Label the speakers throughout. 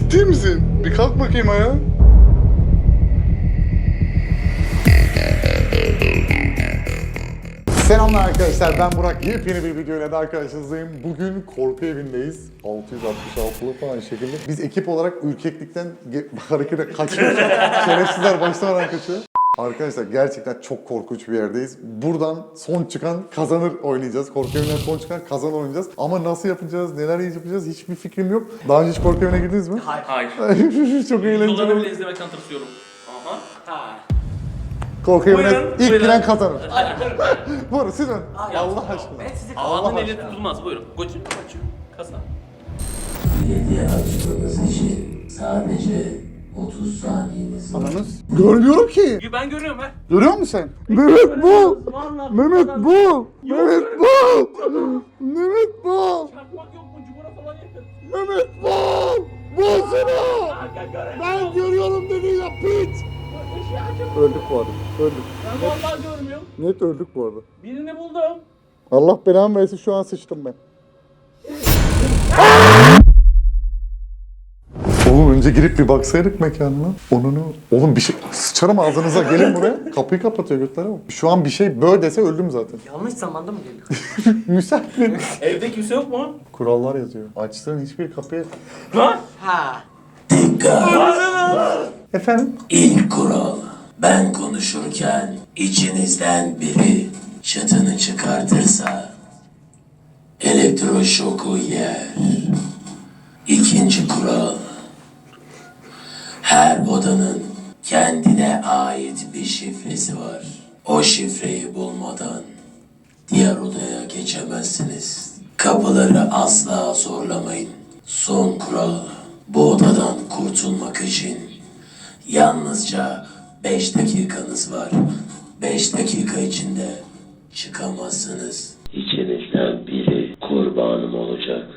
Speaker 1: Ciddi misin? Bir kalk bakayım ayağa. Selamlar arkadaşlar, ben Burak. Yepyeni bir videoyla daha karşınızdayım. Bugün korku evindeyiz. 666'lı falan şekilde. Biz ekip olarak ürkeklikten harekete kaçıyoruz. Şerefsizler başlamadan kaçıyor. Arkadaşlar gerçekten çok korkunç bir yerdeyiz. Buradan son çıkan kazanır oynayacağız. Korku evinden son çıkan kazanır oynayacağız. Ama nasıl yapacağız, neler yapacağız hiçbir fikrim yok. Daha önce hiç korku evine girdiniz mi?
Speaker 2: Hayır.
Speaker 1: Çok eğlenceli.
Speaker 2: Videoları bile izlemekten tırsıyorum. Aha.
Speaker 1: Korku evine ilk
Speaker 2: buyurun.
Speaker 1: giren kazanır. Buyurun siz ön. Allah aşkına.
Speaker 3: Ben sizi
Speaker 2: Havanın eli
Speaker 1: aşkına.
Speaker 2: tutulmaz. Buyurun. Koçum. Kasa.
Speaker 4: Belediye açmanız için sadece 30 saniyeniz var.
Speaker 1: Ananız. Görmüyorum ki.
Speaker 2: Ben görüyorum ha.
Speaker 1: Görüyor musun sen? Mehmet bu. Mehmet bu. Mehmet bu. Mehmet bu.
Speaker 2: Çakmak yok mu? Cumhur'a falan yakın.
Speaker 1: Mehmet bu. Bulsana. Ben görüyorum dedi ya piç. Öldük bu arada. Öldük.
Speaker 2: Ben vallahi görmüyorum.
Speaker 1: Net öldük bu arada.
Speaker 2: Birini buldum.
Speaker 1: Allah belamı versin şu an sıçtım ben. Oğlum önce girip bir baksaydık mekanına. Oğlum bir şey... Sıçarım ağzınıza gelin buraya. Kapıyı kapatıyor götlere bak. Şu an bir şey bö dese öldüm zaten.
Speaker 3: yanlış zamanda mı geliyor?
Speaker 1: Müsait mi?
Speaker 2: Evde kimse yok mu?
Speaker 1: Kurallar yazıyor. Açtığın hiçbir kapıya...
Speaker 2: Lan.
Speaker 3: Ha.
Speaker 1: Efendim?
Speaker 4: İlk kural, ben konuşurken içinizden biri çıtını çıkartırsa elektroşoku yer. İkinci kural, her odanın kendine ait bir şifresi var. O şifreyi bulmadan diğer odaya geçemezsiniz. Kapıları asla zorlamayın. Son kural, bu odadan kurtulmak için yalnızca 5 dakikanız var. 5 dakika içinde çıkamazsınız. İçinizden biri kurbanım olacak.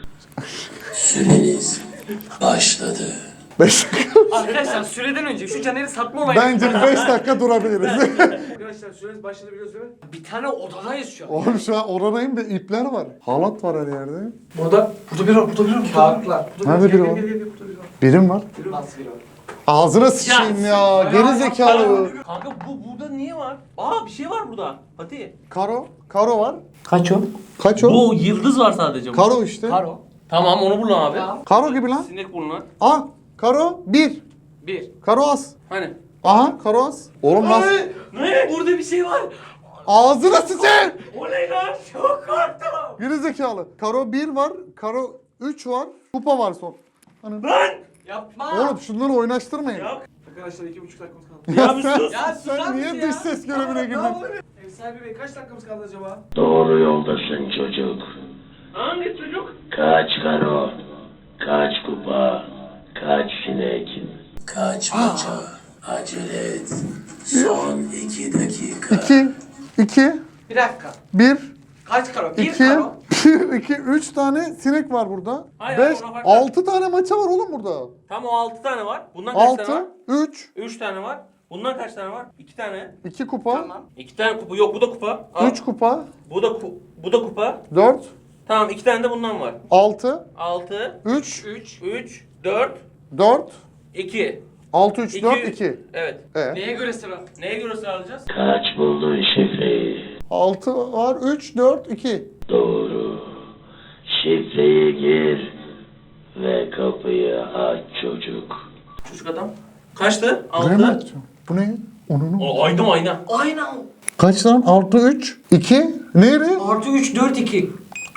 Speaker 4: Süreniz başladı.
Speaker 1: 5 dakika.
Speaker 3: Arkadaşlar süreden önce şu Caner'i satma olayını...
Speaker 1: Bence 5 dakika durabiliriz.
Speaker 3: Arkadaşlar süreniz başladı biliyoruz değil mi? Bir tane odadayız şu an.
Speaker 1: Oğlum şu an oradayım ve ipler var. Halat var her yerde.
Speaker 3: Burada biri var, burada biri var. Kağıtlar.
Speaker 1: Nerede biri var?
Speaker 3: Burada biri var.
Speaker 1: Birim var.
Speaker 3: Nasıl biri var?
Speaker 1: Ağzına sıçayım ya. Geri zekalı.
Speaker 2: Kanka burada niye var? Aa bir şey var burada. Hadi.
Speaker 1: Karo. Karo var.
Speaker 3: Kaç o?
Speaker 1: Kaç o?
Speaker 2: Bu yıldız var sadece.
Speaker 1: Karo işte.
Speaker 3: Karo.
Speaker 2: Tamam onu bul abi.
Speaker 3: Tamam.
Speaker 1: Karo gibi lan.
Speaker 2: Sinek burnu.
Speaker 1: Aa. Karo 1.
Speaker 3: 1.
Speaker 1: Karo az.
Speaker 2: Hani?
Speaker 1: Aha karo az. Oğlum nasıl?
Speaker 2: Ne? Burada bir şey var.
Speaker 1: Ağzına sıçayım.
Speaker 2: O ne lan? Çok korktum.
Speaker 1: Geri zekalı. Karo 1 var. Karo 3 var. Kupa var son. Hani...
Speaker 2: Lan!
Speaker 3: Yapma.
Speaker 1: Oğlum şunları oynaştırmayın.
Speaker 2: Ya.
Speaker 3: Arkadaşlar 2,5 dakikamız kaldı.
Speaker 2: Ya bir sus.
Speaker 3: Ya susar
Speaker 1: Sen
Speaker 3: mısın
Speaker 1: niye
Speaker 3: ya?
Speaker 1: dış ses görevine girdin?
Speaker 3: Ev sahibi bey kaç dakikamız kaldı acaba?
Speaker 4: Doğru yoldasın çocuk.
Speaker 2: Hangi çocuk?
Speaker 4: Kaç karo, kaç kupa, kaç sinek, kaç maça. Acele et. Son 2 dakika.
Speaker 1: 2
Speaker 3: Bir dakika.
Speaker 1: 1
Speaker 3: Kaç karo? 1
Speaker 1: 2
Speaker 3: karo.
Speaker 1: 2 3 tane sinek var burada.
Speaker 2: Hayır,
Speaker 1: 5
Speaker 2: ona farklı.
Speaker 1: 6 tane maça var oğlum burada.
Speaker 2: Tam o 6 tane var. Bundan kaç tane var?
Speaker 1: 6 3
Speaker 2: 3 tane var. Bundan kaç tane var? 2 tane.
Speaker 1: 2 kupa
Speaker 3: Tamam.
Speaker 2: 2 tane kupa. Yok bu da kupa. Al.
Speaker 1: 3 kupa
Speaker 2: Bu da kupa.
Speaker 1: 4
Speaker 2: Tamam 2 tane de bundan var.
Speaker 1: 6
Speaker 2: 6
Speaker 1: 3
Speaker 2: 3 4
Speaker 1: 4
Speaker 2: 2
Speaker 1: 6 3
Speaker 2: 2
Speaker 1: 4 2
Speaker 2: Evet.
Speaker 3: Neye göre sıra?
Speaker 2: Neye göre sağlayacağız?
Speaker 4: Kaç buldun şifreyi?
Speaker 1: 6 var 3 4 2
Speaker 4: Doğru. Şifreyi gir ve kapıyı aç çocuk.
Speaker 2: Çocuk adam. Kaçtı?
Speaker 1: Buraya mı
Speaker 2: 6.
Speaker 1: açacağım? Bu ne? Onun
Speaker 2: O ayna mı ayna?
Speaker 3: Aynen.
Speaker 1: kaç lan? 6 3 2 Neydi?
Speaker 3: Artı 3 4 2.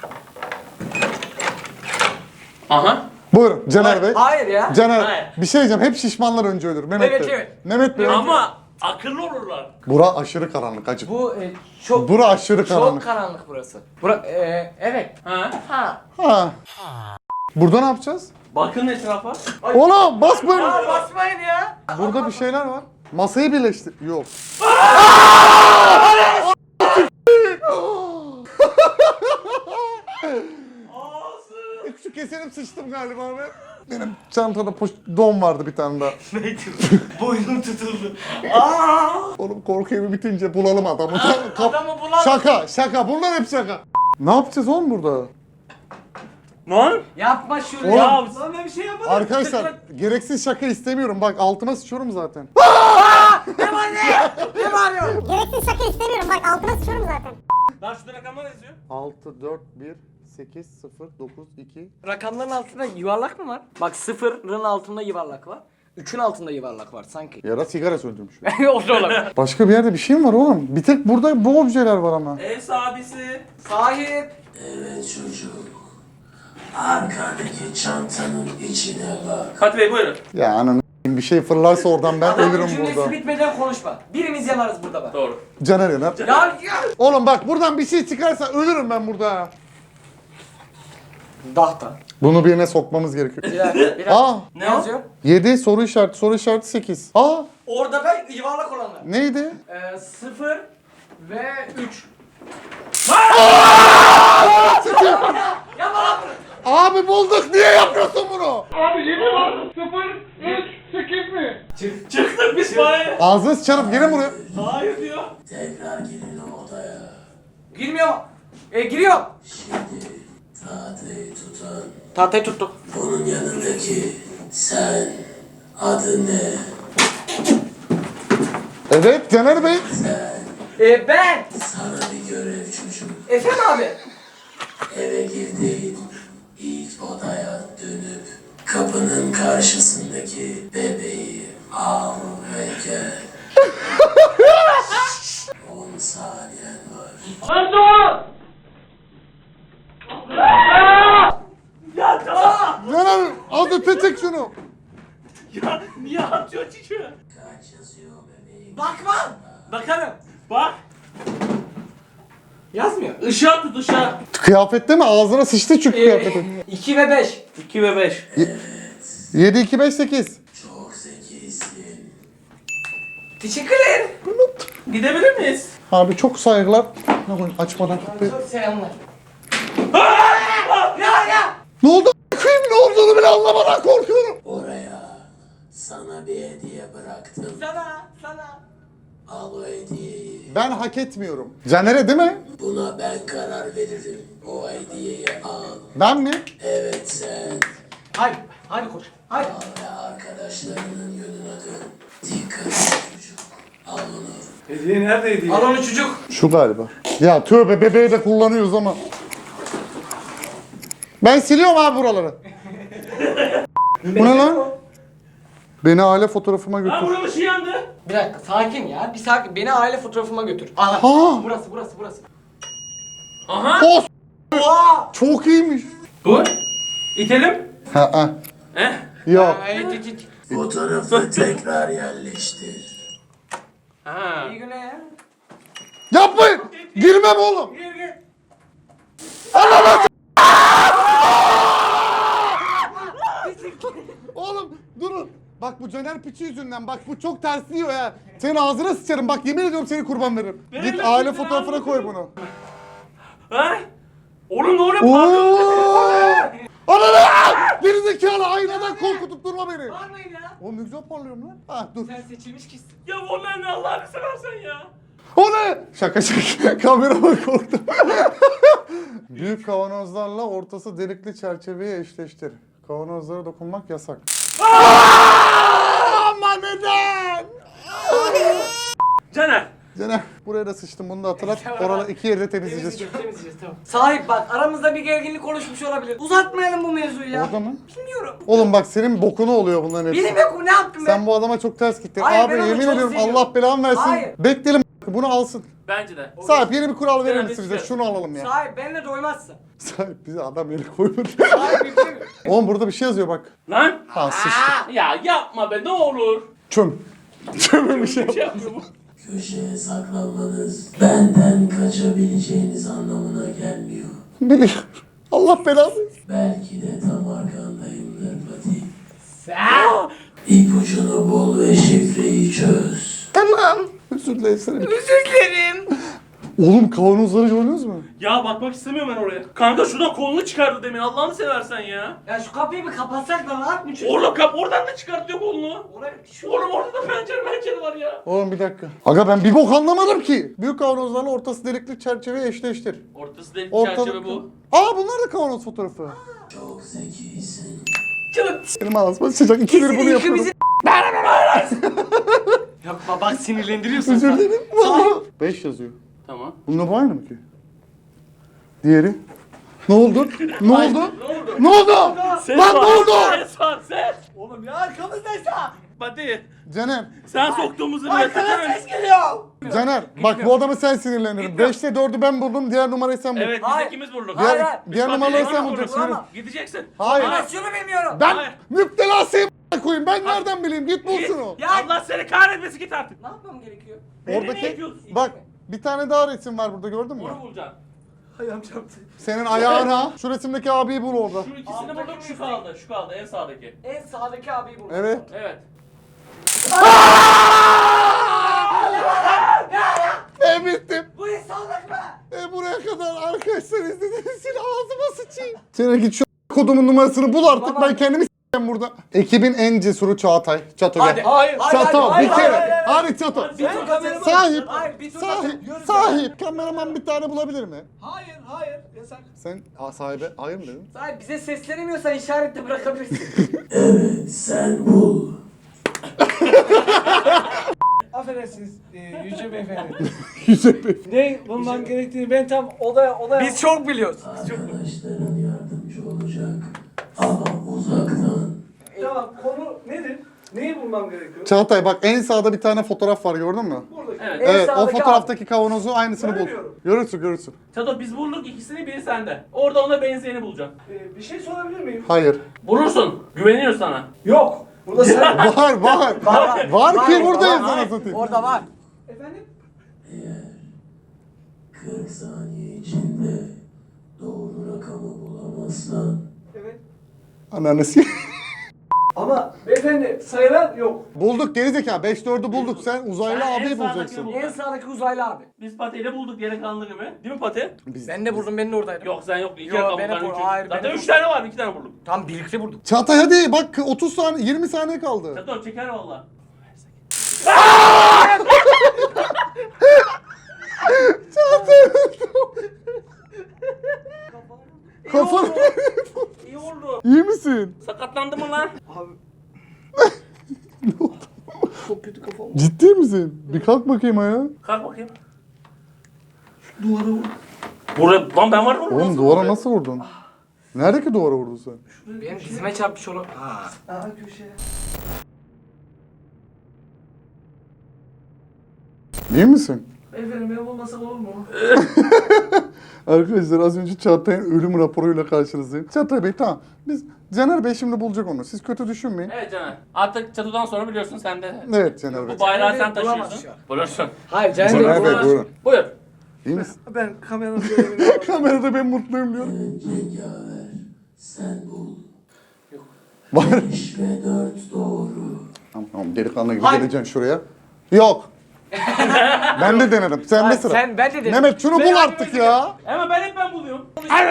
Speaker 2: Aha.
Speaker 1: Buyurun Caner Bey.
Speaker 3: Hayır ya.
Speaker 1: Caner
Speaker 2: Hayır.
Speaker 1: bir şey diyeceğim. Hep şişmanlar önce ölür. Mehmet
Speaker 3: Evet,
Speaker 1: Bey.
Speaker 3: evet.
Speaker 1: Mehmet Bey.
Speaker 2: Ama akıllı olurlar.
Speaker 1: Bura aşırı karanlık acı.
Speaker 3: Bu çok
Speaker 1: Bura aşırı
Speaker 3: çok
Speaker 1: karanlık.
Speaker 3: karanlık burası. Evet.
Speaker 2: Ha?
Speaker 3: Ha.
Speaker 1: Ha. Burada ne yapacağız?
Speaker 2: Bakın etrafa.
Speaker 1: Oğlum basmayın.
Speaker 3: Ya basmayın ya.
Speaker 1: Burada bir şeyler var. Masayı birleştir. Yok. Küçük keserim sıçtım galiba ben. Benim çantada don vardı bir tane daha.
Speaker 2: Neydi? Boynum tutuldu.
Speaker 1: Oğlum korku evi bitince bulalım adamı.
Speaker 3: Adamı bulalım.
Speaker 1: Şaka. Bunlar hep şaka. Ne yapacağız oğlum burada?
Speaker 2: Lan.
Speaker 3: Yapma şunu
Speaker 1: Oğlum.
Speaker 3: ya. Lan ben bir şey yapmadım.
Speaker 1: Arkadaşlar gereksiz şaka istemiyorum. Bak altıma sıçıyorum zaten.
Speaker 3: Ne var ne? Ne bağırıyorsun?
Speaker 5: Gereksiz şaka istemiyorum. Bak altına sıçıyorum zaten.
Speaker 2: Lan şurada rakamlar yazıyor.
Speaker 1: 6, 4, 1, 8, 0, 9, 2.
Speaker 3: Rakamların altında yuvarlak mı var? Bak sıfırın altında yuvarlak var. 3'ün altında yuvarlak var sanki.
Speaker 1: Ya da sigara söndürmüş.
Speaker 3: O da olabilir.
Speaker 1: Başka bir yerde bir şey mi var oğlum? Bir tek burada bu objeler var ama.
Speaker 2: Ev sahibisi.
Speaker 3: Sahip.
Speaker 4: Evet çocuk. Arkadaki çantanın içine bak.
Speaker 2: Fatih Bey buyurun.
Speaker 1: Ya ananı bir şey fırlarsa oradan ben
Speaker 3: Adamın
Speaker 1: ölürüm
Speaker 3: cümlesi
Speaker 1: burada.
Speaker 3: bitmeden konuşma. Birimiz yanarız burada bak.
Speaker 2: Doğru.
Speaker 1: Caner yanar.
Speaker 3: Ya.
Speaker 1: Oğlum bak buradan bir şey çıkarsa ölürüm ben burada.
Speaker 3: Dahta.
Speaker 1: Bunu birine sokmamız gerekiyor.
Speaker 3: Bir dakika. Bir dakika.
Speaker 1: Aa,
Speaker 2: Ne
Speaker 3: yazıyor?
Speaker 1: 7 soru işareti 8. Aa,
Speaker 3: Orada da yuvarlak olanlar.
Speaker 1: neydi?
Speaker 3: 0 ve 3. Ya bana bunu.
Speaker 1: Abi bulduk, niye yapıyorsun bunu?
Speaker 2: Çıktık biz bari.
Speaker 1: Ağzını sıçarım, gelin buraya.
Speaker 2: Hayır diyor.
Speaker 4: Tekrar girin odaya.
Speaker 3: Girmiyor mu? Giriyor.
Speaker 4: Şimdi tahtayı tutan.
Speaker 3: Tahtayı tuttuk.
Speaker 4: Onun yanındaki sen. Adın ne?
Speaker 1: Evet Caner Bey.
Speaker 3: Ben.
Speaker 4: Sana bir görev çocuk.
Speaker 3: Efendim abi.
Speaker 4: Eve girdiğin ilk odaya dönüp kapının karşısındaki bebeği al ve gel. 10 saniyen var.
Speaker 2: Ya tamam.
Speaker 1: Caner az öte çek şunu.
Speaker 2: Ya niye atıyor çocuğu?
Speaker 4: Kaç yazıyor bebeğim?
Speaker 3: Bakma. Bakarım.
Speaker 2: Bak.
Speaker 3: Yazmıyor.
Speaker 2: Işığa tut ışığa.
Speaker 1: Kıyafette mi? Ağzına sıçtı çünkü kıyafetin.
Speaker 3: 2 ve 5.
Speaker 2: 2 ve 5.
Speaker 1: 7, 2, 5, 8.
Speaker 4: Çok zekisin.
Speaker 3: Teşekkür ederim.
Speaker 2: Gidebilir miyiz?
Speaker 1: Abi çok saygılar. Açmadan.
Speaker 3: Çok selamlar.
Speaker 1: Ne oldu? Kıyım ne olduğunu bile anlamadan korkuyorum.
Speaker 4: Oraya sana bir hediye bıraktım.
Speaker 3: Sana.
Speaker 4: Al o hediyeyi.
Speaker 1: Ben hak etmiyorum. Caner'e değil mi?
Speaker 4: Buna ben karar veririm. O hediyeyi al.
Speaker 1: Ben mi?
Speaker 4: Evet sen.
Speaker 3: Hadi koç. Hadi.
Speaker 4: Al ve arkadaşlarının yönüne dön. Dikkat et çocuk. Al onu.
Speaker 2: Hediye neredeydi?
Speaker 3: Al onu çocuk.
Speaker 1: Şu galiba. Ya tövbe bebeği de kullanıyoruz ama. Ben siliyorum abi buraları. Bu ne lan? Beni aile fotoğrafıma
Speaker 2: Lan
Speaker 1: götür.
Speaker 2: buranın ışığı yandı.
Speaker 3: Bir dakika sakin ya. Bir sakin. Beni aile fotoğrafıma götür. Aha.
Speaker 1: Ha!
Speaker 3: Burası.
Speaker 2: Aha.
Speaker 1: O
Speaker 3: Oha.
Speaker 1: çok iyiymiş.
Speaker 2: Bu. İtelim.
Speaker 1: Ha.
Speaker 2: Eh.
Speaker 1: Yok.
Speaker 3: Git.
Speaker 4: Fotoğrafı tekrar yerleştir.
Speaker 2: Ha.
Speaker 3: İyi güne ya.
Speaker 1: Yapmayın. Girmem oğlum.
Speaker 3: Gir.
Speaker 1: Oğlum durun. Bak bu Caner piçi yüzünden bak bu çok tersliyor ya. Senin ağzına sıçarım bak yemin ediyorum seni kurban veririm.
Speaker 2: Verin
Speaker 1: Git
Speaker 2: lan,
Speaker 1: aile
Speaker 2: verin
Speaker 1: fotoğrafına
Speaker 2: lan.
Speaker 1: koy bunu.
Speaker 2: Ha? Oğlum ne oluyor? Pardon.
Speaker 1: Ooo! Ananı! Gerizekalı aynadan korkutup durma beni.
Speaker 3: Bağırmayın ya.
Speaker 1: Oğlum ne güzel parlıyorum lan. Ha dur.
Speaker 3: Sen seçilmiş kişisin.
Speaker 2: Ya onlar ne Allah'ını seversen ya.
Speaker 1: O ne? Şaka. Kamerama korktum. Büyük kavanozlarla ortası delikli çerçeveye eşleştir. Kavanozlara dokunmak yasak. Ama neden?
Speaker 2: Caner.
Speaker 1: Caner buraya da sıçtım bunu da hatırlat. Oraları iki yerde temizleyeceğiz.
Speaker 3: Temizleyeceğiz tamam. Sahip bak aramızda bir gerginlik oluşmuş olabilir. Uzatmayalım bu mevzuyu ya.
Speaker 1: Orada mı?
Speaker 3: Bilmiyorum.
Speaker 1: Oğlum bak senin bokunu oluyor bunların hepsi.
Speaker 3: Benim yok ne yaptım ben?
Speaker 1: Sen bu adama çok ters gittin.
Speaker 3: Hayır,
Speaker 1: Abi
Speaker 3: ben onu
Speaker 1: yemin
Speaker 3: çok
Speaker 1: ediyorum
Speaker 3: seviyorum.
Speaker 1: Allah belanı versin.
Speaker 3: Hayır.
Speaker 1: Bekleyelim bunu alsın.
Speaker 2: Bence de.
Speaker 1: Sahip yeni bir kural verir
Speaker 2: Evet,
Speaker 1: misin bize?
Speaker 2: evet.
Speaker 1: Şunu alalım ya.
Speaker 3: Sahip benimle doymazsın.
Speaker 1: Sahip bize adam yeri koymadı.
Speaker 3: Sahip bilmiyorum.
Speaker 1: Oğlum burada bir şey yazıyor bak.
Speaker 2: Lan.
Speaker 1: Ha sıçtı.
Speaker 2: Ya yapma be ne olur.
Speaker 1: Çöm. Çöm'e bir şey
Speaker 2: Bir şey
Speaker 1: yap.
Speaker 2: yapmıyor bu.
Speaker 4: Köşeye saklanmanız benden kaçabileceğiniz anlamına gelmiyor.
Speaker 1: Biliyorum. Allah belanı versin.
Speaker 4: Belki de tam arkandayımdır Fatih.
Speaker 3: Sen.
Speaker 4: İpucunu bul ve şifreyi çöz.
Speaker 3: Tamam.
Speaker 1: Özür dilerim seni.
Speaker 3: Özür dilerim.
Speaker 1: Oğlum kavanozları gördünüz mü?
Speaker 2: Ya bakmak istemiyorum ben oraya. Kanka şuradan kolunu çıkardı demin Allah'ını seversen ya.
Speaker 3: Ya şu kapıyı bir kapatsak da rahat mı çocuk?
Speaker 2: Oğlum kap oradan da çıkartıyor kolunu.
Speaker 3: Oraya şu
Speaker 2: Oğlum orada da pencere var ya.
Speaker 1: Oğlum bir dakika. Aga ben bir bok anlamadım ki. Büyük kavanozlarla ortası delikli çerçeveye eşleştir.
Speaker 2: Ortası delik
Speaker 1: Ortalık...
Speaker 2: çerçeve bu.
Speaker 1: Aa bunlar da kavanoz fotoğrafı.
Speaker 4: Çok zekisin.
Speaker 1: Benim ağzıma sıcak. İkidir bunu yapıyorum.
Speaker 3: ikimizin... Yapma bak sinirlendiriyorsun.
Speaker 1: Özür dilerim. Valla. 5 yazıyor.
Speaker 2: Tamam.
Speaker 1: Bununla bu aynı mı ki? Diğeri? Ne oldu? Ne oldu?
Speaker 2: Ne oldu?
Speaker 1: Ne oldu?
Speaker 2: Ses
Speaker 1: Lan
Speaker 2: var,
Speaker 1: ne oldu?
Speaker 2: Ses var ses.
Speaker 3: Oğlum ya arkamızdaysa.
Speaker 2: Fatih.
Speaker 1: Caner,
Speaker 2: Sen soktuğumuzu bile
Speaker 3: Arkadan ses geliyor.
Speaker 1: Caner bak bu adamı sen sinirlendirin.
Speaker 2: Gitmiyorum.
Speaker 1: 5'te 4'ü ben buldum, diğer numarayı sen bul.
Speaker 2: Evet biz
Speaker 3: Hayır.
Speaker 2: ikimiz vurduk.
Speaker 3: Hayır,
Speaker 1: Diğer,
Speaker 3: hayır.
Speaker 1: diğer
Speaker 2: Biz
Speaker 1: numaraları
Speaker 2: Fatih'le
Speaker 1: sen
Speaker 2: vurduk.
Speaker 1: bulacaksın.
Speaker 3: Ama-
Speaker 2: Gideceksin.
Speaker 1: Hayır.
Speaker 3: Animasyonu bilmiyorum.
Speaker 1: Ben
Speaker 2: Hayır.
Speaker 1: müptelasıyım koyayım. Ben nereden bileyim? Git
Speaker 2: Git.
Speaker 1: bulsun o.
Speaker 3: Ya-
Speaker 2: Allah seni kahretmesin git artık.
Speaker 3: Ne yapmam gerekiyor?
Speaker 2: Beni ne
Speaker 1: Oradaki
Speaker 2: yapıyorsun?
Speaker 1: bak bir tane daha resim var burada, gördün mü?
Speaker 2: Onu bulacaksın.
Speaker 3: Ayağım çarptı.
Speaker 1: Senin ayağına şu resimdeki abiyi bul orada.
Speaker 2: Şu ikisini
Speaker 3: Alttaki
Speaker 2: bulduk şu kaldı. Şu kaldı en sağdaki.
Speaker 3: En sağdaki abiyi buldum.
Speaker 1: Evet.
Speaker 2: Evet.
Speaker 1: Bittim.
Speaker 3: Bu insanlık mı?
Speaker 1: Buraya kadar arkadaşlar izlediğiniz için ağzıma sıçayım. Sen git şu kodumun numarasını bul artık, ben kendimi s**eyim burada. Ekibin en cesuru Çağatay. Çato
Speaker 3: Hadi.
Speaker 1: gel.
Speaker 3: Hayır.
Speaker 1: Çato bir kere.
Speaker 3: Hayır.
Speaker 1: Hadi Çato.
Speaker 3: Bir tur kameraman.
Speaker 1: Sahip.
Speaker 3: Hayır bir tur
Speaker 1: Sahip.
Speaker 3: Yürü.
Speaker 1: Sahip. Kameraman bir tane bulabilir mi?
Speaker 3: Hayır yasak.
Speaker 1: Sen sahibe hayır mı dedin?
Speaker 3: Sahip bize seslenemiyorsan işaretle bırakabilirsin.
Speaker 4: Evet sen bul.
Speaker 6: Affedersiniz Yüce Beyefendi.
Speaker 1: Yüce Bey.
Speaker 6: Ne bulmam gerektiğini ben tam odaya...
Speaker 3: Biz çok biliyoruz.
Speaker 4: Arkadaşların yardımcı olacak. Ama uzaktan.
Speaker 6: Tamam konu nedir? Neyi bulmam gerekiyor?
Speaker 1: Çağatay bak en sağda bir tane fotoğraf var, gördün mü?
Speaker 6: Buradaki.
Speaker 2: Evet.
Speaker 3: En
Speaker 1: Evet, o
Speaker 3: sağdaki
Speaker 1: fotoğraftaki kavanozu aynısını bul.
Speaker 6: Göremiyorum.
Speaker 1: Görürsün.
Speaker 2: Çato biz bulduk ikisini biri sende. Orada ona benzeyeni bulacaksın.
Speaker 6: Bir şey sorabilir miyim?
Speaker 1: Hayır.
Speaker 2: Bulursun. Güveniyoruz sana.
Speaker 6: Yok. Burada sen...
Speaker 1: Var. Var ki buradayız
Speaker 3: var.
Speaker 1: sana satayım.
Speaker 3: Orada var.
Speaker 6: Efendim?
Speaker 4: Eğer 40 saniye içinde doğru rakamı bulamazsan
Speaker 6: Evet.
Speaker 1: Ananı s***.
Speaker 6: Ama beyefendi sayılar yok.
Speaker 1: Bulduk gerizekalı. 5-4'ü bulduk. Sen uzaylı
Speaker 2: Ben en
Speaker 1: abiyi
Speaker 2: sağdakini
Speaker 1: bulacaksın.
Speaker 2: buldum.
Speaker 3: En sağdaki uzaylı abi.
Speaker 2: Biz Pati'yle bulduk geri kalanlı gibi. Değil mi Pati?
Speaker 3: Ben de buldum, ben de oradaydım.
Speaker 2: Yok sen yok. İki
Speaker 3: Yok,
Speaker 2: rakam
Speaker 3: ben
Speaker 2: bulduk.
Speaker 3: hep
Speaker 2: Ben üç.
Speaker 3: hayır, ben
Speaker 2: Zaten
Speaker 3: hep
Speaker 2: 3 tane var. 2 tane bulduk.
Speaker 3: Tam birlikte bulduk.
Speaker 1: Çağatay hadi bak 30 saniye 20 saniye kaldı.
Speaker 2: Çato çeker valla.
Speaker 1: Kafanı
Speaker 2: İyi oldu.
Speaker 1: İyi misin?
Speaker 2: Sakatlandı mı lan?
Speaker 6: Çok kötü kafam.
Speaker 1: Ciddi misin? Bir kalk bakayım ayağa.
Speaker 2: Kalk bakayım. Duvara vur. Buraya, lan ben var mı?
Speaker 1: Oğlum duvara nasıl vurdun? Nerede ki duvara vurdun sen?
Speaker 3: Benim dizime çarpmış onu. Ha.
Speaker 6: Aa köşeye.
Speaker 1: İyi misin?
Speaker 6: Beyefendi ben bulmasam olur mu?
Speaker 1: Arkadaşlar az önce Çağatay'ın ölüm raporuyla karşınızdayım. Çağatay Bey tamam. Biz Caner Bey şimdi bulacak onu. Siz kötü düşünmeyin.
Speaker 2: Evet Caner. Artık çatıdan sonra biliyorsun sen de.
Speaker 1: Evet Caner Bey.
Speaker 2: Bu bayrağı
Speaker 3: Caner
Speaker 2: sen
Speaker 3: Bey bulamaz
Speaker 2: taşıyorsun.
Speaker 3: şu an.
Speaker 2: Bulursun.
Speaker 3: Hayır Caner
Speaker 1: Caner Bey
Speaker 3: Bey.
Speaker 1: buyurun.
Speaker 2: Buyur.
Speaker 1: İyi misin?
Speaker 6: Ben kameranın görevini
Speaker 1: Kamerada ben mutluyum diyorum.
Speaker 4: cengaver sen bul.
Speaker 1: Var.
Speaker 4: 5 ve 4 doğru.
Speaker 1: Tamam delikanlı gibi
Speaker 3: Hayır.
Speaker 1: geleceksin şuraya. Yok. Ben de denerim. Sen de
Speaker 3: Hayır,
Speaker 1: sıra.
Speaker 3: sen ben de dedim.
Speaker 1: Mehmet şunu
Speaker 3: Ben
Speaker 1: bul
Speaker 3: aynı
Speaker 1: artık
Speaker 3: böyle
Speaker 1: ya.
Speaker 2: Ama ben hep ben buluyorum.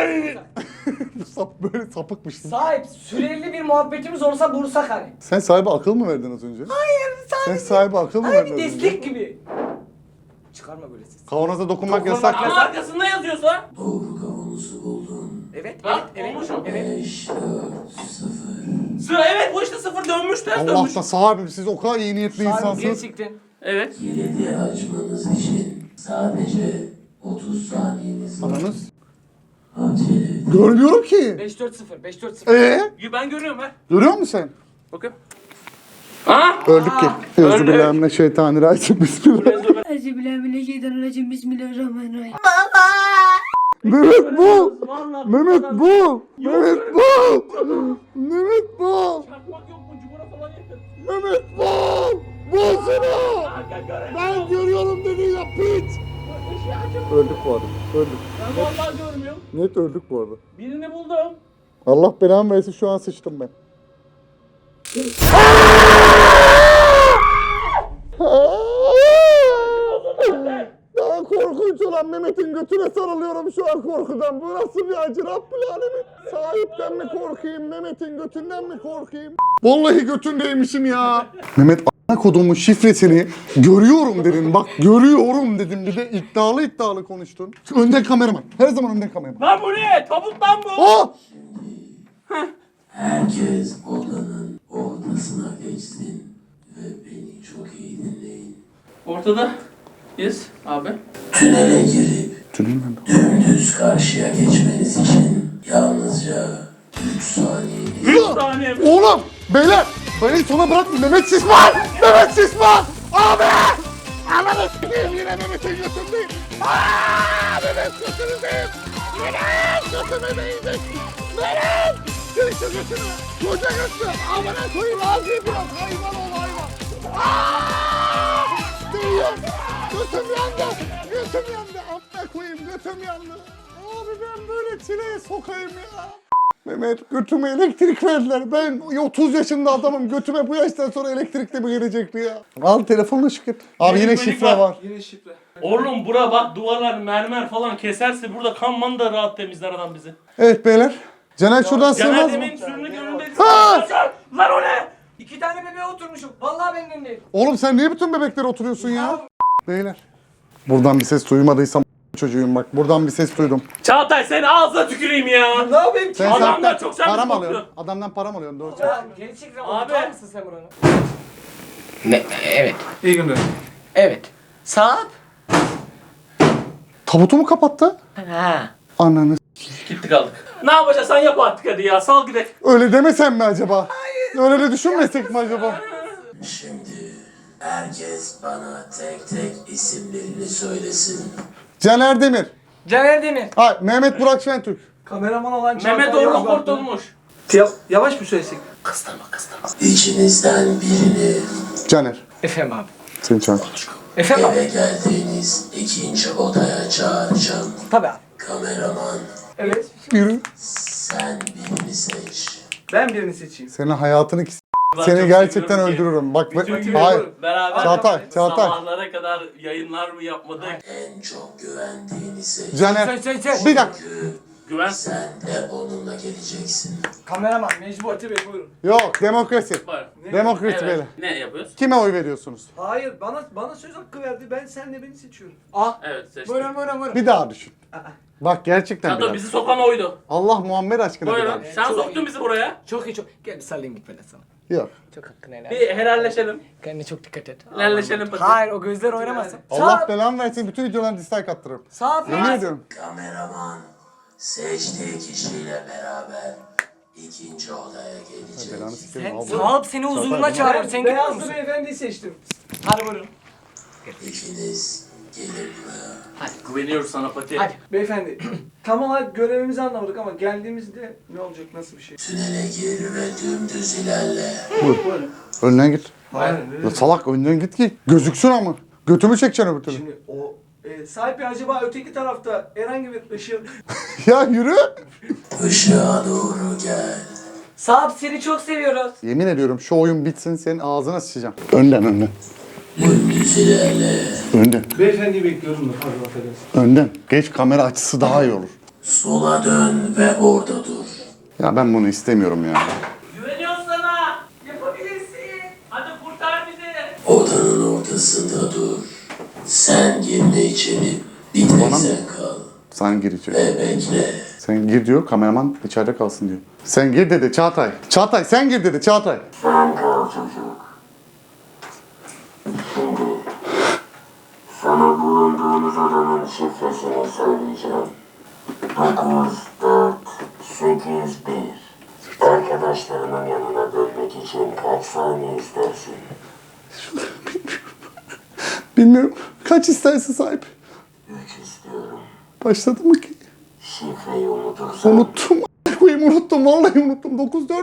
Speaker 1: Böyle sapıkmışsın.
Speaker 3: Sahip süreli bir muhabbetimiz olsa bulsak hani.
Speaker 1: Sen sahibi akıl mı verdin az önce?
Speaker 3: Hayır
Speaker 1: Sen
Speaker 3: sadece.
Speaker 1: sahibi akıl mı
Speaker 3: Hani
Speaker 1: verdin
Speaker 3: bir
Speaker 1: az önce?
Speaker 3: destek gibi. Çıkarma böyle ses.
Speaker 1: Kavanoza dokunmak
Speaker 3: Dokunmak
Speaker 1: yasak.
Speaker 2: Ama arkasında yazıyorsa.
Speaker 4: Doğru kavanozu buldun.
Speaker 3: Evet,
Speaker 2: Bak,
Speaker 3: evet,
Speaker 2: olmuş o.
Speaker 3: evet.
Speaker 4: 5, 4, 0.
Speaker 2: Sıra evet bu işte sıfır dönmüş ters dönmüş.
Speaker 1: Allah'tan sahibim siz o kadar iyi niyetli
Speaker 3: Sahip
Speaker 1: insansınız.
Speaker 3: gerçekten.
Speaker 2: Evet.
Speaker 4: Kilidi açmanız için sadece 30 saniyeniz var.
Speaker 1: Ananız.
Speaker 4: Acele edin.
Speaker 1: Görmüyorum ki.
Speaker 3: 5-4-0, 5-4-0.
Speaker 2: Ben görüyorum ben.
Speaker 1: Görüyor musun sen?
Speaker 2: Bakın. Ha?
Speaker 1: Öldük ki. Euzubillahimineşşeytanirracim. Bismillah.
Speaker 5: Euzubillahimineşşeytanirracim. Bismillahirrahmanirrahim.
Speaker 1: Mehmet bul.
Speaker 2: Vallahi
Speaker 1: Mehmet
Speaker 2: bu kadar-
Speaker 1: bul. Mehmet bul. Mehmet bul.
Speaker 2: Çakmak yok mu? Cumhur'a falan yakın.
Speaker 1: Mehmet bul. Bulsana.
Speaker 2: Kanka göremiyorum.
Speaker 1: Ben görüyorum dedi ya piç. Öldük bu arada. Öldük.
Speaker 2: Ben vallahi görmüyorum.
Speaker 1: Net öldük bu arada.
Speaker 2: Birini buldum.
Speaker 1: Allah belamı versin şu an sıçtım ben. Daha korkunç olan Mehmet'in götüne sarılıyorum şu an korkudan. Bu nasıl bir acı Rabbül Alemin? Sahipten mi korkayım, Mehmet'in götünden mi korkayım? Vallahi götündeymişim ya. Mehmet a**a kodumun şifresini görüyorum dedin. Bak görüyorum dedim. Bir de iddialı konuştun. Önden kameraman. Her zaman önden kameraman.
Speaker 2: Lan bu ne? Tabut lan bu.
Speaker 1: Oh!
Speaker 4: Herkes odanın ortasına geçsin ve beni çok iyi dinleyin.
Speaker 2: Ortada. Yes abi.
Speaker 4: Tünele girip
Speaker 1: Tünel mi?
Speaker 4: dümdüz karşıya geçmeniz için yalnızca 3 saniye.
Speaker 2: 3 saniye.
Speaker 1: Oğlum! Beyler! Beni sona bırakma. Mehmet Şişman! Mehmet Şişman! Abi! Ananı s**eyim yine Mehmet'in götündeyim. Aaa! Mehmet götünüzdeyim. Mehmet götüme değecek. Mehmet! Seni şu götünü. Koca götü. Amına koyayım ağzıyı biraz. Hayvan ol hayvan. Aaa! Değiyor. Götüm yandı. Götüm yandı. Amına koyayım götüm yandı. Abi ben böyle çileye sokayım ya. Mehmet götüme elektrik verdiler. Ben 30 yaşında adamım. Götüme bu yaştan sonra elektrik de mi gelecekti ya? Al telefonla şükür. Abi yine
Speaker 2: Benim
Speaker 1: şifre
Speaker 2: var.
Speaker 1: var.
Speaker 6: Yine şifre.
Speaker 2: Oğlum bura bak duvarlar mermer falan keserse burada kanman da rahat temizler adam bizi.
Speaker 1: Evet beyler. Caner şuradan
Speaker 2: Caner
Speaker 1: sığmaz mı?
Speaker 2: demin sürünün önünde.
Speaker 1: Ha!
Speaker 2: Lan o ne?
Speaker 3: 2 tane bebeğe oturmuşum. Vallahi benden değil.
Speaker 1: Oğlum sen niye bütün bebeklere oturuyorsun ya? Beyler. Buradan bir ses duymadıysam çocuğum bak. Buradan bir ses duydum.
Speaker 2: Çağatay seni ağzına tüküreyim ya.
Speaker 6: Ne yapayım ki?
Speaker 1: Sen
Speaker 2: Adamdan çok sen
Speaker 1: para mı
Speaker 2: mi
Speaker 1: alıyorsun?
Speaker 2: korkuyorsun?
Speaker 1: Adamdan para mı alıyorsun? Doğru.
Speaker 3: Ya geri çekil.
Speaker 2: Abi.
Speaker 3: Abi. mısın sen buranı? Evet.
Speaker 6: İyi günler.
Speaker 3: Evet. Saat?
Speaker 1: Tabutu mu kapattı?
Speaker 3: Ha.
Speaker 1: Ananı
Speaker 2: Gitti kaldık. Ne yapacağız sen yap artık hadi ya sal gidelim.
Speaker 1: öyle demesen mi acaba? Öyle de düşünmesek mi acaba?
Speaker 4: Şimdi herkes bana tek tek isimlerini söylesin.
Speaker 1: Caner Demir.
Speaker 3: Caner Demir.
Speaker 1: Ha, Mehmet Burak Şentürk.
Speaker 6: Kameraman olan
Speaker 2: Mehmet
Speaker 6: Çağatay
Speaker 2: Orhan
Speaker 6: Yozgatlı.
Speaker 2: kurtulmuş.
Speaker 6: Yavaş mı söylesek?
Speaker 4: İçinizden birini
Speaker 1: Caner.
Speaker 3: Efendim abi.
Speaker 1: Seni çağır.
Speaker 3: Efendim abi.
Speaker 4: eve geldiğiniz ikinci odaya çağıracağım.
Speaker 3: Tabii abi.
Speaker 4: Kameraman
Speaker 6: Evet.
Speaker 1: Yürü.
Speaker 4: sen birini seç.
Speaker 6: Ben birini seçeyim.
Speaker 1: Senin hayatını
Speaker 2: Ben
Speaker 1: seni
Speaker 2: çok
Speaker 1: gerçekten
Speaker 2: seviyorum ki.
Speaker 1: öldürürüm. Bak
Speaker 6: Bütün gün
Speaker 1: hayır.
Speaker 6: yaparım.
Speaker 2: Beraber
Speaker 1: Çağatay, Çağatay.
Speaker 2: sabahlara kadar yayınlar mı yapmadık?
Speaker 4: En çok güvendiğini seç.
Speaker 1: Caner.
Speaker 3: Sen.
Speaker 1: Bir dakika.
Speaker 4: Çünkü
Speaker 2: Güven.
Speaker 4: sen de onunla geleceksin.
Speaker 3: Kameraman mecbur.
Speaker 6: Fatih Bey buyurun.
Speaker 1: Yok demokrasi.
Speaker 2: Var.
Speaker 1: Demokrasi
Speaker 2: Evet.
Speaker 1: beyler.
Speaker 2: Ne yapıyoruz?
Speaker 1: Kime oy veriyorsunuz?
Speaker 6: Hayır bana söz hakkı verdi. Ben senle beni seçiyorum.
Speaker 3: Ah.
Speaker 2: Evet seçtim.
Speaker 3: Buyurun.
Speaker 1: Bir daha düşün. Bak gerçekten
Speaker 2: Çağatay
Speaker 1: biraz.
Speaker 2: bizi sokan oydu.
Speaker 1: Allah Muhammed aşkına bir daha
Speaker 2: Buyurun.
Speaker 1: düşün.
Speaker 2: Sen
Speaker 3: Çok
Speaker 2: soktun
Speaker 3: iyi.
Speaker 2: bizi buraya.
Speaker 3: Çok iyi çok. Gel bir sallayayım gitmeden sana.
Speaker 1: Yok.
Speaker 3: Çok hakkını helal.
Speaker 2: Bir helalleşelim.
Speaker 3: Kendine çok dikkat et.
Speaker 2: Helalleşelim pati.
Speaker 3: Hayır o gözler oynamasın.
Speaker 1: Allah belanı versin bütün videolarına dislike attırırım.
Speaker 3: Sağ
Speaker 1: Yemin ediyorum.
Speaker 4: Kameraman seçtiği kişiyle beraber ikinci odaya gelecek.
Speaker 1: Belanı sikerim.
Speaker 3: Sen
Speaker 1: Allah.
Speaker 3: sağ seni huzuruna çağırıyor. Sen gidiyor
Speaker 6: Beyazlı
Speaker 3: musun?
Speaker 6: beyefendiyi seçtim.
Speaker 3: Hadi buyurun.
Speaker 4: İkiniz gelin buraya.
Speaker 2: Güveniyoruz sana pati.
Speaker 3: Hadi.
Speaker 6: Beyefendi tam olarak görevimizi anlamadık ama geldiğimizde ne olacak nasıl bir şey?
Speaker 4: Tünele gir ve dümdüz ilerle.
Speaker 6: Buyurun.
Speaker 1: Önden git.
Speaker 6: Hayır.
Speaker 1: Ya salak önden git ki gözüksün ama. Götümü çekeceksin öbür türlü.
Speaker 6: Şimdi o sahibi acaba öteki tarafta herhangi bir ışığın
Speaker 1: Ya yürü.
Speaker 4: Işığa doğru gel.
Speaker 3: Sağ seni çok seviyoruz.
Speaker 1: Yemin ediyorum şu oyun bitsin senin ağzına sıçacağım. Önden.
Speaker 4: Dümdüz ilerle.
Speaker 1: Önden.
Speaker 6: beyefendiyi bekliyorum da pardon affedersin.
Speaker 1: Önden. Geç kamera açısı daha iyi olur.
Speaker 4: Sola dön ve orada dur.
Speaker 1: Ya ben bunu istemiyorum ya.
Speaker 2: Güveniyoruz sana. Yapabilirsin. Hadi kurtar bizi.
Speaker 4: Odanın ortasında dur. Sen girme içeri. Bir tek
Speaker 1: Bana mı?
Speaker 4: sen kal.
Speaker 1: Sen gir içeri.
Speaker 4: Ve bekle.
Speaker 1: Sen gir diyor kameraman içeride kalsın diyor. Sen gir dedi Çağatay. Çağatay sen gir dedi Çağatay.
Speaker 4: Sen kal çocuk. Şimdi sana bulunduğunuz odanın şifresini söyleyeceğim. 9, 4, 8, 1. Arkadaşlarının yanına dönmek için kaç saniye istersin?
Speaker 1: Bilmiyorum. Kaç isterse sahip.
Speaker 4: 3 istiyorum.
Speaker 1: Başladı mı ki?
Speaker 4: Şifreyi unutursan
Speaker 1: Unuttum. Koyayım unuttum. Vallahi unuttum. 9-4.
Speaker 4: 9, 4,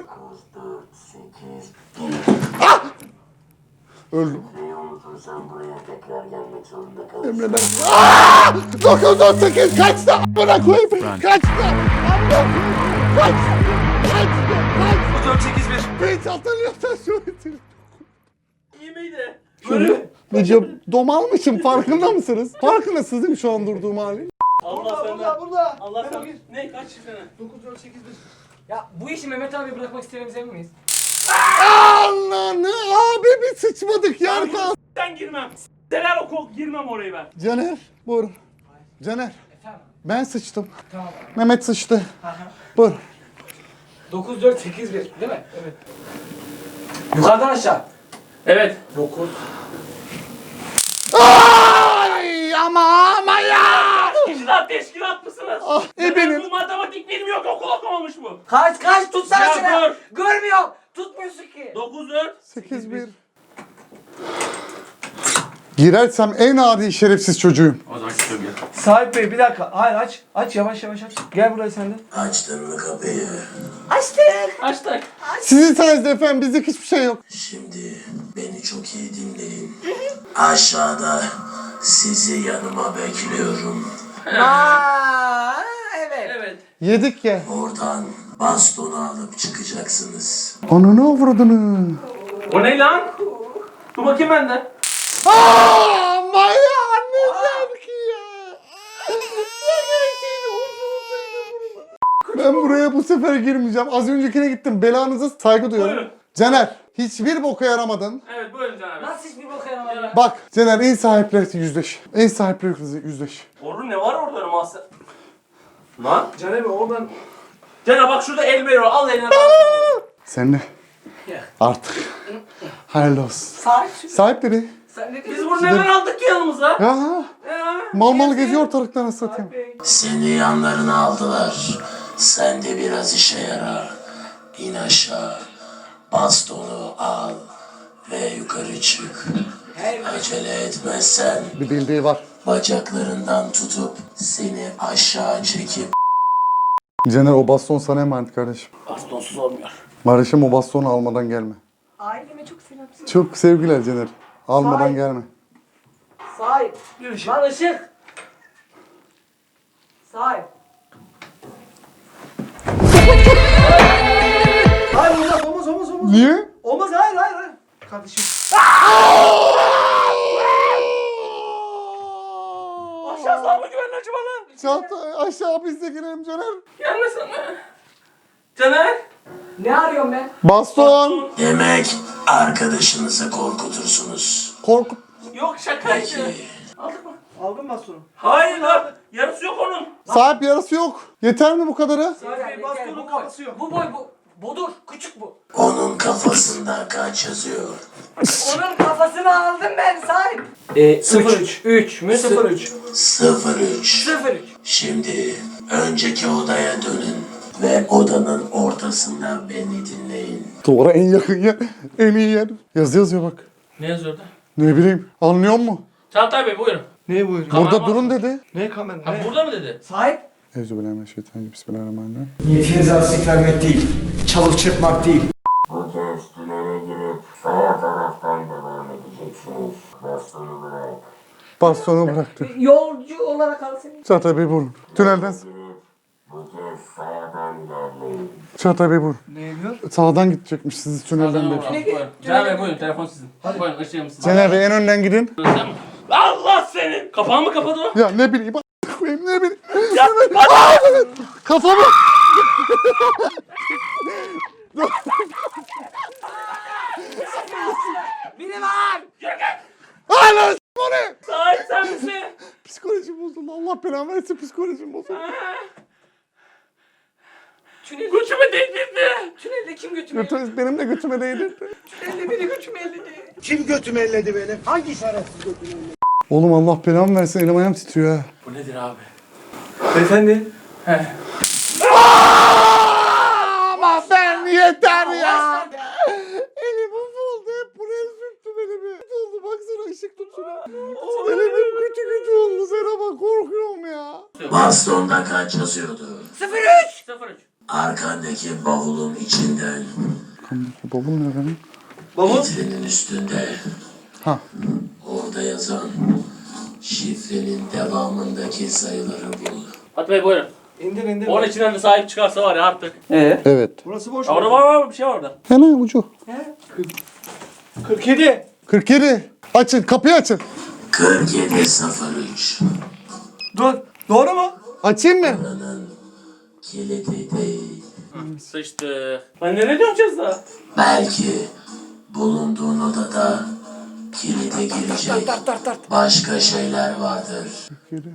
Speaker 4: 8, 1.
Speaker 1: Öldüm.
Speaker 4: Şifreyi unutursan buraya tekrar gelmek zorunda kalırsın.
Speaker 1: Emredersin. Aaaa! 9-4-8 kaçtı? Amına koyayım. Kaçtı? Amına koyayım. Kaçtı? Kaçtı?
Speaker 6: 4, 8, 1.
Speaker 1: Hiç hatırlıyorsan söyle.
Speaker 2: İyi miydi?
Speaker 1: Şöyle video domalmışım farkında mısınız? Farkındasınız değil mi şu an durduğum hali?
Speaker 2: Allah senden.
Speaker 6: Burada.
Speaker 2: Allah
Speaker 6: Memo
Speaker 2: sen.
Speaker 6: gir.
Speaker 2: Ne kaç sene?
Speaker 6: 9, 4, 8, 1.
Speaker 3: Ya bu işi Mehmet abi bırakmak istediğimize emin miyiz?
Speaker 1: Ananı abi bir sıçmadık yer kaldı.
Speaker 2: Sen girmem. Seler o kol girmem orayı ben.
Speaker 1: Caner buyurun. Caner
Speaker 3: Efendim?
Speaker 1: ben sıçtım.
Speaker 3: Tamam.
Speaker 1: Mehmet sıçtı. Buyurun.
Speaker 3: 9, 4, 8, 1 değil mi? Evet. Yukarıdan aşağı.
Speaker 2: Evet.
Speaker 3: 9.
Speaker 1: Ay ama ya.
Speaker 2: Teşkilat mısınız?
Speaker 1: benim.
Speaker 2: Bu matematik bilmiyor ki okul okumamış bu.
Speaker 3: Kaç tutsana
Speaker 2: Ya
Speaker 3: şunu.
Speaker 2: dur.
Speaker 3: Görmüyorum. Tutmuyorsun ki.
Speaker 2: 9 4.
Speaker 1: 8-1. Girersem en adi şerefsiz çocuğum.
Speaker 2: O zaman çıkıyorum ya.
Speaker 6: Sahip Bey bir dakika. Hayır aç. Aç yavaş yavaş aç. Gel buraya sen de.
Speaker 4: Açtın mı kapıyı?
Speaker 2: Açtık.
Speaker 1: Sizin sayenizde efendim bizlik hiçbir şey yok.
Speaker 4: Şimdi beni çok iyi dinleyin. Aşağıda sizi yanıma bekliyorum.
Speaker 3: Aa, evet.
Speaker 2: Evet.
Speaker 1: Yedik ya.
Speaker 4: Oradan bastonu alıp çıkacaksınız.
Speaker 1: Ananı avradını.
Speaker 2: O ne lan? Dur bakayım ben de.
Speaker 1: Ama ya ne der ki ya. Ben buraya bu sefer girmeyeceğim. Az öncekine gittim. Belanıza saygı duyuyorum.
Speaker 2: Buyurun.
Speaker 1: Caner, hiçbir boka yaramadın.
Speaker 2: Evet buyurun Can abi.
Speaker 3: Nasıl hiçbir boka yaramadı ya?
Speaker 1: Bak Caner en sahiple yüzleş. En sahiple yüzleş.
Speaker 2: Orun ne var orada masa? Lan.
Speaker 6: Caner Bey oradan.
Speaker 2: Can bak şurada el veriyor. Al eline.
Speaker 1: Sen de artık hayırlı olsun.
Speaker 3: Sahip.
Speaker 1: Sahip dedi.
Speaker 3: Sen ne
Speaker 2: Biz
Speaker 3: diyorsun?
Speaker 2: bunu neden aldık ki yanımıza?
Speaker 1: Ya mal mal geziyor ortalıkta nasıl satayım.
Speaker 4: Seni yanlarına aldılar. Sen de biraz işe yara. İn aşağı. Bastonu al ve yukarı çık. Acele etmezsen
Speaker 1: Bir bildiği var.
Speaker 4: bacaklarından tutup seni aşağı çekip
Speaker 1: Caner o baston sana emanet kardeşim.
Speaker 2: Bastonsuz olmuyor.
Speaker 1: Kardeşim o bastonu almadan gelme.
Speaker 3: Aileme çok selam söyle.
Speaker 1: Çok sevgiler Caner. Almadan
Speaker 3: Sahip.
Speaker 1: gelme.
Speaker 3: Sahip. Lan ışık. Sahip.
Speaker 6: Hayır olmaz.
Speaker 1: Niye?
Speaker 6: Olmaz hayır. Kardeşim.
Speaker 2: Aşağı sağ mı güvenli acaba lan?
Speaker 1: Çanta aşağı biz de girelim Caner.
Speaker 2: Gelmesin mi? Caner.
Speaker 3: Ne arıyorum ben?
Speaker 1: Baston.
Speaker 4: demek arkadaşınızı korkutursunuz.
Speaker 1: Korkut.
Speaker 2: Yok şakaydı. Aldık mı?
Speaker 6: Aldın mı bastonu?
Speaker 2: Hayır lan. Yarısı yok onun.
Speaker 1: Sahip yarısı yok. Yeter mi bu kadarı?
Speaker 6: Sahip Bey bastonun kafası yok.
Speaker 3: Bu boy bu. Budur. Küçük bu.
Speaker 4: Onun kafasında kaç yazıyor?
Speaker 3: Onun kafasını aldım ben sahip.
Speaker 6: 0-3.
Speaker 3: 3 mü?
Speaker 6: 0-3.
Speaker 4: 03.
Speaker 3: 0-3.
Speaker 4: Şimdi önceki odaya dönün ve odanın ortasında beni dinleyin.
Speaker 1: Duvara en yakın yer. En iyi yer. Yazı yazıyor bak.
Speaker 2: Ne yazıyor orada?
Speaker 1: Ne bileyim. Anlıyor musun?
Speaker 2: Çağatay Bey buyurun.
Speaker 6: Ne buyurun?
Speaker 2: Kamera
Speaker 1: Burada
Speaker 2: var.
Speaker 1: durun dedi.
Speaker 6: Ne kamer?
Speaker 2: Ha
Speaker 6: Ne?
Speaker 2: burada mı dedi?
Speaker 3: Sahip.
Speaker 1: Euzubillahimineşşeytanirracim. Bismillahirrahmanirrahim.
Speaker 7: Niyetiniz artistik vermek değil, çalıp çırpmak değil.
Speaker 4: Bu kez tünele girip sağ taraftan devam edeceksiniz. Bastonu bırak.
Speaker 1: Bastonu bıraktı.
Speaker 3: Yolcu olarak al seni.
Speaker 1: Çağatay Bey vurun. Tünelden.
Speaker 4: Bu kez sağdan ilerleyin.
Speaker 1: Çağatay Bey vurun.
Speaker 6: Ne yapıyor?
Speaker 1: Sağdan gidecekmiş sizi tünelden beri.
Speaker 2: Buyurun. Can Bey buyurun telefon sizin. Buyurun ışığım sizin.
Speaker 1: Caner Bey en önden gidin.
Speaker 2: Allah senin! Kapağı mı kapadı o?
Speaker 1: Ya ne bileyim. Koyayım ne bileyim.
Speaker 2: Ya hadi!
Speaker 1: Kafamı.
Speaker 3: Biri var.
Speaker 1: Hala o ne?
Speaker 2: Sahip sen misin?
Speaker 1: Psikolojim bozuldu. Allah belanı versin psikolojim bozuldu.
Speaker 3: Tünelde,
Speaker 2: Götümü değdirdi.
Speaker 3: tünelde kim götümü elledi?
Speaker 1: Götünüz benim de götüme değdi.
Speaker 3: Tünelde biri götümü elledi.
Speaker 7: Kim götümü elledi benim? Hangi şerefsiz götümü elledi?
Speaker 1: Oğlum Allah belamı versin elim ayağım titriyor ha.
Speaker 2: Bu nedir abi?
Speaker 6: Beyefendi.
Speaker 2: He.
Speaker 1: Ama ben yeter ya. Elim oldu hep buraya sürttüm elimi. Kötü oldu baksana ışık tut şuna. Elimim kötü oldu sana bak korkuyorum ya.
Speaker 4: Bastonda kaç yazıyordu?
Speaker 3: 03.
Speaker 2: 03.
Speaker 4: Arkandaki bavulun içinden
Speaker 1: Babam ne benim?
Speaker 6: Baba.
Speaker 4: vitrinin üstünde.
Speaker 1: Ha.
Speaker 4: Orada yazan şifrenin devamındaki sayıları bul.
Speaker 2: Hadi Bey buyurun.
Speaker 6: İndir.
Speaker 2: Onun içinden de sahip çıkarsa var ya artık.
Speaker 1: Evet.
Speaker 6: Burası boş.
Speaker 2: Ya orada var bir şey var orada.
Speaker 1: Hemen ucu.
Speaker 6: 47.
Speaker 1: 47. Açın kapıyı açın.
Speaker 4: 4703.
Speaker 6: Dur. Doğru mu?
Speaker 1: Açayım mı?
Speaker 4: Buranın kilidi değil.
Speaker 2: Sıçtı. Lan nereye döneceğiz daha?
Speaker 4: Belki bulunduğun odada kilide girecek başka şeyler vardır.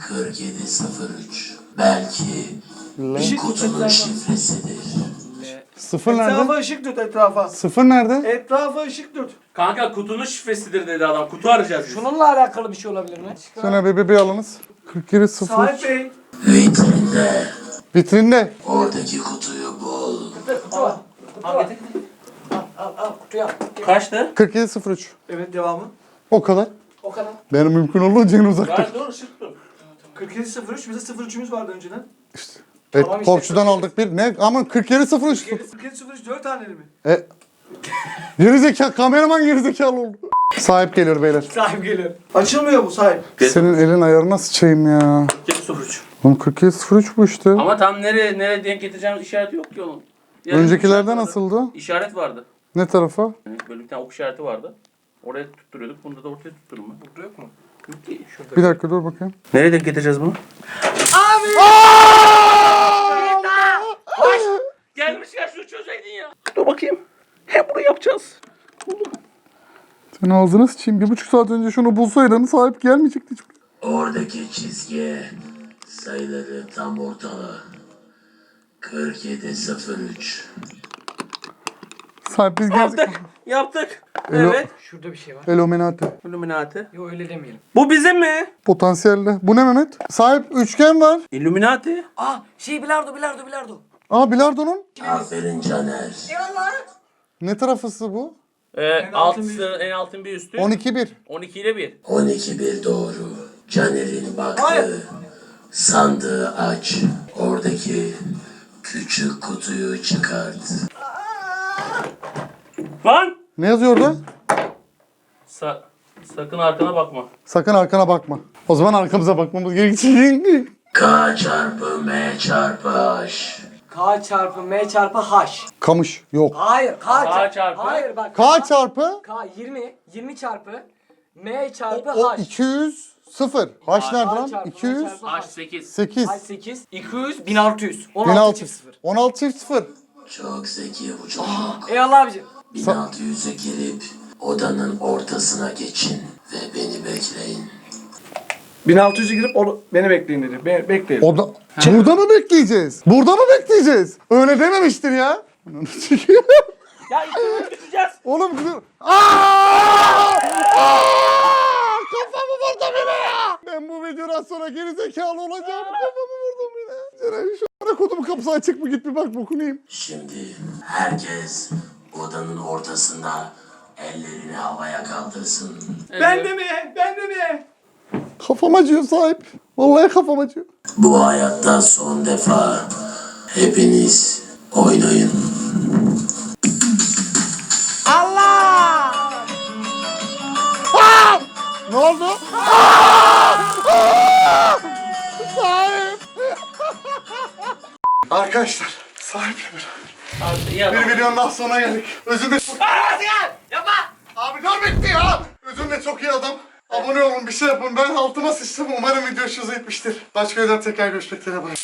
Speaker 4: 4703. Belki
Speaker 6: şey
Speaker 4: kutunun şifresidir.
Speaker 1: Sıfır
Speaker 6: Etrafa
Speaker 1: nerede?
Speaker 6: ışık tut etrafa.
Speaker 1: Sıfır nerede?
Speaker 6: Etrafa ışık tut.
Speaker 2: Kanka kutunun şifresidir dedi adam. Kutu arayacağız biz.
Speaker 3: Şununla alakalı bir şey olabilir mi?
Speaker 1: Sonra bir alınız. 47 0.
Speaker 6: Sahip Bey.
Speaker 4: Vitrinde
Speaker 1: Vitrinde.
Speaker 4: oradaki kutuyu bul.
Speaker 2: Al getir.
Speaker 3: Al kutuyu al.
Speaker 2: Kaçtı?
Speaker 1: 47 03.
Speaker 6: Evet devamı.
Speaker 1: O kadar.
Speaker 3: O kadar.
Speaker 1: Benim mümkün olduğunca en uzakta.
Speaker 2: Ben dur ışık dur.
Speaker 6: 4703 bize 03'ümüz vardı önceden.
Speaker 1: Evet,
Speaker 3: Tamam işte,
Speaker 1: komşudan aldık bir. Ne? Aman 47 03.
Speaker 6: 4703 4 taneli mi?
Speaker 1: Gerizekalı, kameraman gerizekalı oldu. Sahip geliyor beyler.
Speaker 3: Sahip geliyor.
Speaker 6: Açılmıyor bu sahip.
Speaker 1: Senin elin ayarına sıçayım ya.
Speaker 2: Gel 03.
Speaker 1: Oğlum 47 03 bu işte.
Speaker 2: Ama tam nereye denk getireceğimiz işareti yok ki onun. Yani
Speaker 1: Öncekilerde
Speaker 2: işaret vardı.
Speaker 1: nasıldı?
Speaker 2: İşaret vardı.
Speaker 1: Ne tarafa?
Speaker 2: Yani böyle bir tane ok işareti vardı. Oraya tutturuyorduk. Bunda da ortaya tuttururum ben.
Speaker 3: Burada yok mu?
Speaker 2: Yok ki şurada.
Speaker 1: Bir dakika dur bakayım.
Speaker 2: Nereye denk getireceğiz bunu? Gelmişken şunu çözeydin ya. Dur bakayım. Hem bunu yapacağız.
Speaker 1: Sen ağzına sıçayım. 1,5 saat önce şunu bulsaydın sahip gelmeyecekti hiç.
Speaker 4: Oradaki çizgiye sayıları tam ortala. 4703.
Speaker 1: Sahip biz geldik.
Speaker 2: Yaptık. Yaptık.
Speaker 1: Elo-
Speaker 2: Evet.
Speaker 3: Şurada bir şey var.
Speaker 1: Illuminati.
Speaker 2: Illuminati.
Speaker 3: Yok öyle demeyelim.
Speaker 2: Bu bizim mi?
Speaker 1: Potansiyelde. Bu ne Mehmet? Sahip üçgen var.
Speaker 2: Illuminati.
Speaker 3: Aa bilardo.
Speaker 1: Aa bilardonun.
Speaker 4: Aferin Caner.
Speaker 1: Ne tarafısı bu?
Speaker 2: En altın bir üstü.
Speaker 1: 12-1.
Speaker 2: 12 ile 1.
Speaker 4: 12-1 doğru. Caner'in baktığı sandığı aç. Oradaki küçük kutuyu çıkart.
Speaker 2: Lan!
Speaker 1: Ne yazıyor orada?
Speaker 2: Sakın arkana bakma.
Speaker 1: Sakın arkana bakma. O zaman arkamıza bakmamız gerekecek.
Speaker 4: K çarpı M çarpı H.
Speaker 3: K çarpı M çarpı H.
Speaker 1: Kamış. Yok.
Speaker 3: Hayır
Speaker 2: K çarpı.
Speaker 3: Hayır bak.
Speaker 1: K çarpı
Speaker 3: K 20. 20 çarpı M çarpı
Speaker 1: o
Speaker 3: H.
Speaker 1: 200 0. H nerede
Speaker 3: K
Speaker 1: lan?
Speaker 3: çarpı M
Speaker 1: 200
Speaker 3: çarpı
Speaker 2: H 8.
Speaker 1: 8.
Speaker 3: H 8. 200. 1600. 16
Speaker 1: 16
Speaker 3: çift 0.
Speaker 1: 16 çift 0.
Speaker 4: Çok zeki bu çocuk.
Speaker 3: Eyvallah abicim.
Speaker 4: 1600'e girip odanın ortasına geçin ve beni bekleyin.
Speaker 6: 1600'e girip beni bekleyin dedi. Bekleyelim.
Speaker 1: O da... Burada mı bekleyeceğiz? Burada mı bekleyeceğiz? Öyle dememiştir ya.
Speaker 2: Ya ikimiz gideceğiz.
Speaker 1: Oğlum güzel. Aaaa! Kafamı vurdum yine ya. Ben bu videodan sonra gerizekalı olacağım. Kafamı vurdum yine. Ceren şu ara kodumun kapısı açık mı? Git bir bak bokunayım.
Speaker 4: Şimdi herkes odanın ortasında ellerini havaya kaldırsın.
Speaker 6: Ben de mi? Ben de mi?
Speaker 1: Kafam acıyor sahip. Vallahi kafam acıyor.
Speaker 4: Bu hayatta son defa hepiniz oynayın.
Speaker 1: Ne oldu? Aa! Sahip. Arkadaşlar sahiple beraber. Bir videonun daha sonuna geldik. Özümle çok...
Speaker 3: Yapma.
Speaker 1: Abi dur bitti ya. Özümle çok iyi adam. Abone olun bir şey yapın. Ben altıma sıçtım. Umarım video hoşunuza gitmiştir. Başka videoda tekrar görüşmek üzere. Bye.